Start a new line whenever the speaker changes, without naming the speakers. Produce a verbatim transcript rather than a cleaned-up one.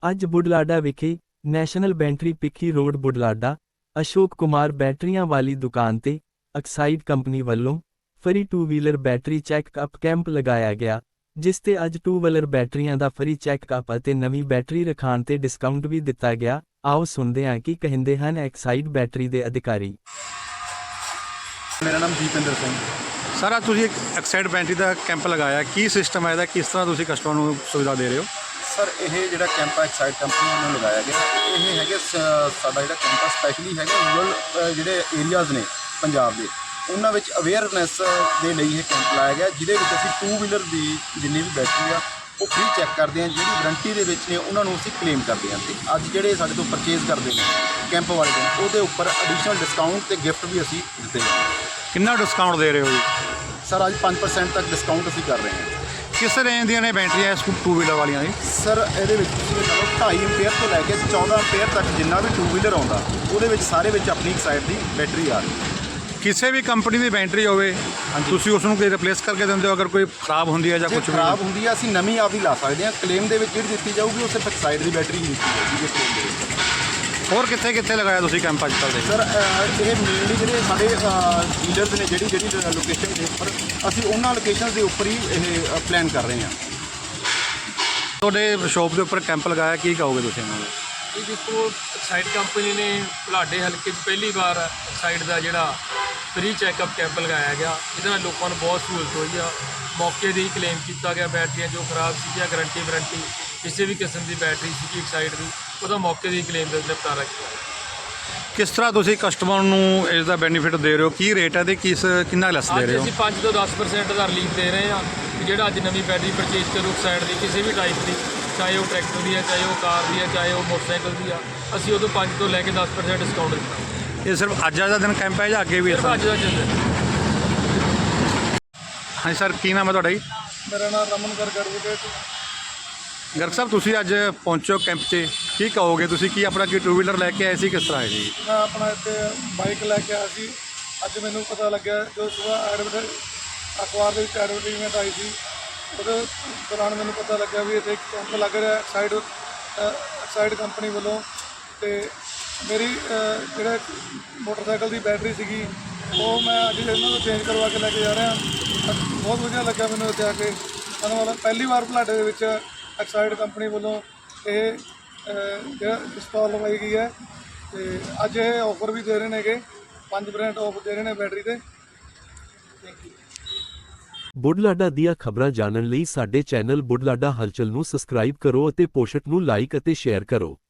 ਅੱਜ ਬੁਢਲਾਡਾ ਵਿਖੇ national battery ਪਿੱਖੀ ਰੋਡ ਬੁਢਲਾਡਾ ਅਸ਼ੋਕ ਕੁਮਾਰ ਬੈਟਰੀਆਂ ਵਾਲੀ ਦੁਕਾਨ ਤੇ ਐਕਸਾਈਡ ਕੰਪਨੀ ਵੱਲੋਂ free two wheeler battery checkup camp ਲਗਾਇਆ ਗਿਆ, ਜਿਸ ਤੇ ਅੱਜ ਟੂ ਵੀਲਰ ਬੈਟਰੀਆਂ ਦਾ ਫਰੀ ਚੈੱਕਅਪ ਅਤੇ ਨਵੀਂ ਬੈਟਰੀ ਰਖਾਣ ਤੇ ਡਿਸਕਾਊਂਟ ਵੀ ਦਿੱਤਾ ਗਿਆ। ਆਓ ਸੁਣਦੇ ਹਾਂ ਕੀ ਕਹਿੰਦੇ ਹਨ ਐਕਸਾਈਡ ਬੈਟਰੀ ਦੇ ਅਧਿਕਾਰੀ।
ਮੇਰਾ ਨਾਮ ਦੀਪਿੰਦਰ ਸਿੰਘ।
ਸਰ ਅੱਜ ਤੁਸੀਂ ਇੱਕ ਐਕਸਾਈਡ ਬੈਟਰੀ ਦਾ ਕੈਂਪ ਲਗਾਇਆ, ਕੀ ਸਿਸਟਮ ਹੈ ਇਹਦਾ, ਕਿਸ ਤਰ੍ਹਾਂ ਤੁਸੀਂ ਕਸਟਮਰ ਨੂੰ ਸੁਵਿਧਾ ਦੇ ਰਹੇ ਹੋ?
ਸਰ ਇਹ ਜਿਹੜਾ ਕੈਂਪ ਹੈ ਐਕਸਾਈਡ ਕੰਪਨੀ ਵੱਲੋਂ ਲਗਾਇਆ ਗਿਆ, ਇਹ ਹੈਗੇ ਸ- ਸਾਡਾ ਜਿਹੜਾ ਕੈਂਪ ਸਪੈਸ਼ਲੀ ਹੈਗਾ ਰੂਰਲ ਜਿਹੜੇ ਏਰੀਆਜ਼ ਨੇ ਪੰਜਾਬ ਦੇ, ਉਹਨਾਂ ਵਿੱਚ ਅਵੇਅਰਨੈਸ ਦੇ ਲਈ ਇਹ ਕੈਂਪ ਲਾਇਆ ਗਿਆ, ਜਿਹਦੇ ਵਿੱਚ ਅਸੀਂ ਟੂ ਵੀਲਰ ਦੀ ਜਿੰਨੀ ਵੀ ਬੈਟਰੀ ਆ ਉਹ ਫ੍ਰੀ ਚੈੱਕ ਕਰਦੇ ਹਾਂ, ਜਿਹੜੀ ਵਾਰੰਟੀ ਦੇ ਵਿੱਚ ਨੇ ਉਹਨਾਂ ਨੂੰ ਅਸੀਂ ਕਲੇਮ ਕਰਦੇ ਹਾਂ। ਅਤੇ ਅੱਜ ਜਿਹੜੇ ਸਾਡੇ ਤੋਂ ਪਰਚੇਜ਼ ਕਰਦੇ ਨੇ ਕੈਂਪ ਵਾਲੇ ਦਿਨ, ਉਹਦੇ ਉੱਪਰ ਐਡੀਸ਼ਨਲ ਡਿਸਕਾਊਂਟ ਅਤੇ ਗਿਫਟ ਵੀ ਅਸੀਂ ਦਿੱਤੇ ਹਾਂ।
ਕਿੰਨਾ ਡਿਸਕਾਊਂਟ ਦੇ ਰਹੇ ਹੋ ਜੀ?
ਸਰ ਅੱਜ ਪੰਜ ਪਰਸੈਂਟ ਤੱਕ ਡਿਸਕਾਊਂਟ ਅਸੀਂ ਕਰ ਰਹੇ ਹਾਂ।
ਕਿਸ ਰੇਂਜ ਦੀਆਂ ਨੇ ਬੈਟਰੀਆਂ ਇਸ ਟੂ ਵੀਲਰ ਵਾਲੀਆਂ ਦੀ?
ਸਰ ਇਹਦੇ ਵਿੱਚ ਤੁਸੀਂ ਇਹ ਲਓ ਢਾਈ ਐਂਪੀਅਰ ਤੋਂ ਲੈ ਕੇ ਚੌਦਾਂ ਐਂਪੀਅਰ ਤੱਕ ਜਿੰਨਾ ਵੀ ਟੂ ਵੀਲਰ ਆਉਂਦਾ, ਉਹਦੇ ਵਿੱਚ ਸਾਰੇ ਵਿੱਚ ਆਪਣੀ ਐਕਸਾਈਡ ਦੀ ਬੈਟਰੀ ਆ ਰਹੀ ਹੈ।
ਕਿਸੇ ਵੀ ਕੰਪਨੀ ਦੀ ਬੈਟਰੀ ਹੋਵੇ ਤੁਸੀਂ ਉਸ ਨੂੰ ਕੋਈ ਰਿਪਲੇਸ ਕਰਕੇ ਦਿੰਦੇ ਹੋ, ਅਗਰ ਕੋਈ ਖਰਾਬ ਹੁੰਦੀ ਹੈ ਜਾਂ
ਜੇ
ਕੁਝ
ਖਰਾਬ ਹੁੰਦੀ ਹੈ ਅਸੀਂ ਨਵੀਂ ਆਪ ਹੀ ਲਾ ਸਕਦੇ ਹਾਂ। ਕਲੇਮ ਦੇ ਵਿੱਚ ਜਿਹੜੀ ਦਿੱਤੀ ਜਾਊਗੀ ਉਹ ਸਿਰਫ ਐਕਸਾਈਡ ਦੀ ਬੈਟਰੀ ਹੀ ਦਿੱਤੀ ਜਾਊਗੀ ਇਸ ਕਲੇਮ ਦੇ ਵਿੱਚ।
ਹੋਰ ਕਿੱਥੇ ਕਿੱਥੇ ਲਗਾਇਆ ਤੁਸੀਂ ਕੈਂਪ ਅੱਜ ਕੱਲ੍ਹ ਦੇ?
ਸਰ ਅਹ, ਇਹ ਮੇਨਲੀ ਜਿਹੜੇ ਸਾਡੇ ਡੀਲਰਸ ਨੇ ਜਿਹੜੀ ਜਿਹੜੀ ਲੋਕੇਸ਼ਨ ਦੇ ਉੱਪਰ, ਅਸੀਂ ਉਹਨਾਂ ਲੋਕੇਸ਼ਨ ਦੇ ਉੱਪਰ ਹੀ ਇਹ ਪਲਾਨ ਕਰ ਰਹੇ ਹਾਂ।
ਤੁਹਾਡੇ ਸ਼ੋਪ ਦੇ ਉੱਪਰ ਕੈਂਪ ਲਗਾਇਆ, ਕੀ ਕਹੋਗੇ ਤੁਸੀਂ ਇਹਨਾਂ ਨੂੰ?
ਇਹ ਦੇਖੋ ਐਕਸਾਈਡ ਕੰਪਨੀ ਨੇ ਬੁਢਲਾਡੇ ਹਲਕੇ 'ਚ ਪਹਿਲੀ ਵਾਰ ਐਕਸਾਈਡ ਦਾ ਜਿਹੜਾ ਫ੍ਰੀ ਚੈੱਕਅਪ ਕੈਂਪ ਲਗਾਇਆ ਗਿਆ। ਇਹਦੇ ਨਾਲ ਲੋਕਾਂ ਨੂੰ ਬਹੁਤ ਸਹੂਲਤ ਹੋਈ ਆ। ਮੌਕੇ 'ਤੇ ਹੀ ਕਲੇਮ ਕੀਤਾ ਗਿਆ ਬੈਟਰੀਆਂ ਜੋ ਖਰਾਬ ਸੀਗੀਆਂ, ਗਰੰਟੀ ਵਾਰੰਟੀ ਕਿਸੇ ਵੀ ਕਿਸਮ ਦੀ ਬੈਟਰੀ ਸੀਗੀ ਐਕਸਾਈਡ ਦੀ, ਉਹਦਾ ਮੌਕੇ 'ਤੇ ਹੀ ਕਲੇਮ ਦਾ ਨਿਪਟਾਰਾ ਕੀਤਾ।
ਕਿਸ ਤਰ੍ਹਾਂ ਤੁਸੀਂ ਕਸਟਮਰ ਨੂੰ ਇਸ ਦਾ ਬੈਨੀਫਿਟ ਦੇ ਰਹੇ ਹੋ, ਕੀ ਰੇਟ ਹੈ ਤੇ ਕਿਸ ਕਿੰਨਾ ਲੈਸ ਦੇ
ਅੱਜ
ਰਹੇ ਹੋ?
ਅਸੀਂ ਪੰਜ ਤੋਂ ਦਸ ਪਰਸੈਂਟ ਦਾ ਰਿਲੀਫ ਦੇ ਰਹੇ ਹਾਂ ਕਿ ਜਿਹੜਾ ਅੱਜ ਨਵੀਂ ਬੈਟਰੀ ਪਰਚੇਜ਼ ਕਰੂ ਐਕਸਾਈਡ ਦੀ ਕਿਸੇ ਵੀ ਟਾਈਪ ਦੀ, ਚਾਹੇ ਉਹ ਟਰੈਕਟਰ ਦੀ ਹੈ, ਚਾਹੇ ਉਹ ਕਾਰ ਦੀ ਹੈ, ਚਾਹੇ ਉਹ ਮੋਟਰਸਾਈਕਲ ਦੀ ਆ, ਅਸੀਂ ਉਦੋਂ ਪੰਜ ਤੋਂ ਲੈ ਕੇ ਦਸ ਪਰਸੈਂਟ ਡਿਸਕਾਊਂਟ ਦਿੱਤਾ।
ਇਹ ਸਿਰਫ ਅੱਜ ਦਾ ਦਿਨ ਕੈਂਪ ਹੈ ਜਾਂ ਅੱਗੇ ਵੀ ਇਸ
ਸਿਰਫ ਅੱਜ ਦਾ ਦਿਨ ਹੈ।
ਹਾਂਜੀ ਸਰ, ਕੀ ਨਾਮ ਹੈ ਤੁਹਾਡਾ ਜੀ?
ਮੇਰਾ ਨਾਮ ਰਮਨ ਗਰਗ ਐਡਵੋਕੇਟ।
ਗਰਗ ਸਾਹਿਬ, ਤੁਸੀਂ ਅੱਜ ਪਹੁੰਚੋ ਕੈਂਪ 'ਚ, ਕੀ ਕਹੋਗੇ ਤੁਸੀਂ? ਕੀ ਆਪਣਾ ਕੀ ਟੂ ਵੀਲਰ ਲੈ ਕੇ ਆਏ ਸੀ, ਕਿਸ ਤਰ੍ਹਾਂ ਹੈ ਜੀ?
ਮੈਂ ਆਪਣਾ ਇੱਥੇ ਬਾਈਕ ਲੈ ਕੇ ਆਇਆ ਸੀ। ਅੱਜ ਮੈਨੂੰ ਪਤਾ ਲੱਗਿਆ ਜੋ ਸੁਬਾਹ ਐਡਵਰਟਾਈਜ਼ ਅਖਬਾਰ ਦੇ ਵਿੱਚ ਐਡਵਰਟਾਈਜ਼ਮੈਂਟ ਆਈ ਸੀ, ਉਹਦੇ ਦੌਰਾਨ ਮੈਨੂੰ ਪਤਾ ਲੱਗਿਆ ਵੀ ਇੱਥੇ ਇੱਕ ਕੈਂਪ ਲੱਗ ਰਿਹਾ ਐਕਸਾਈਡ ਐਕਸਾਈਡ ਕੰਪਨੀ ਵੱਲੋਂ। ਅਤੇ ਮੇਰੀ ਅ, ਜਿਹੜਾ ਮੋਟਰਸਾਈਕਲ ਦੀ ਬੈਟਰੀ ਸੀਗੀ ਉਹ ਮੈਂ ਅੱਜ ਇਹਨਾਂ ਨੂੰ ਚੇਂਜ ਕਰਵਾ ਕੇ ਲੈ ਕੇ ਜਾ ਰਿਹਾ। ਬਹੁਤ ਵਧੀਆ ਲੱਗਾ ਮੈਨੂੰ ਇੱਥੇ ਆ ਕੇ। ਮੈਨੂੰ ਮਤਲਬ ਪਹਿਲੀ ਵਾਰ ਬੁਢਲਾਡੇ ਦੇ ਵਿੱਚ ਐਕਸਾਈਡ ਕੰਪਨੀ ਵੱਲੋਂ ਇਹ ਅ, ਜਿਹੜਾ ਇੰਸਟਾਲ ਲਗਾਈ ਗਈ ਹੈ, ਅਤੇ ਅੱਜ ਇਹ ਆਫਰ ਵੀ ਦੇ ਰਹੇ ਨੇਗੇ, ਪੰਜ ਪਰਸੈਂਟ ਆਫ ਦੇ ਰਹੇ ਨੇ ਬੈਟਰੀ 'ਤੇ। Thank you.
ਬੁਢਲਾਡਾ ਦੀਆਂ ਖਬਰਾਂ ਜਾਣਨ ਲਈ ਸਾਡੇ ਚੈਨਲ ਬੁਢਲਾਡਾ ਹਲਚਲ ਨੂੰ ਸਬਸਕ੍ਰਾਈਬ ਕਰੋ ਅਤੇ ਪੋਸਟ ਨੂੰ ਲਾਈਕ ਅਤੇ ਸ਼ੇਅਰ ਕਰੋ।